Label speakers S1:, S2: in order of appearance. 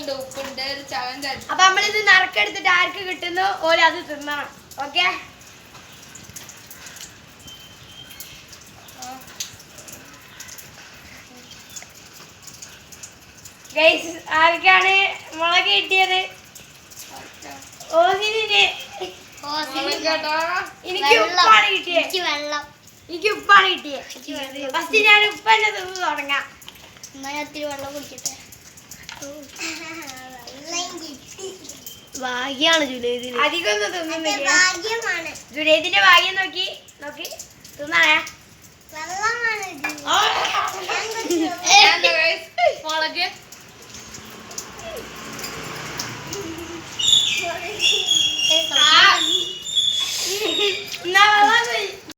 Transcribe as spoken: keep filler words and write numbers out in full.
S1: അപ്പൊ നമ്മളിത് നറുക്കെടുത്തിട്ട് ആർക്ക് കിട്ടുന്നു ഓരോ അത് തിന്നണം. ഓക്കെ, ഗൈസ് ആർക്കാണ് മുളക് കിട്ടിയത്? ഓസിനെ. എനിക്ക് ഉപ്പാണ് കിട്ടിയത്.
S2: വെള്ളം
S1: എനിക്ക് ഉപ്പാണ് കിട്ടിയത്. ഫസ്റ്റ് ഞാൻ ഉപ്പ് തന്നെ തിന്ന് തുടങ്ങാം.
S2: ഒത്തിരി വെള്ളം കുടിക്കട്ടെ.
S1: ഭാഗ്യാണ് ജുനൈദിന്. അധികം ഒന്നും തിന്നുന്നില്ല. ജുനൈദിന്റെ ഭാഗ്യം നോക്കി.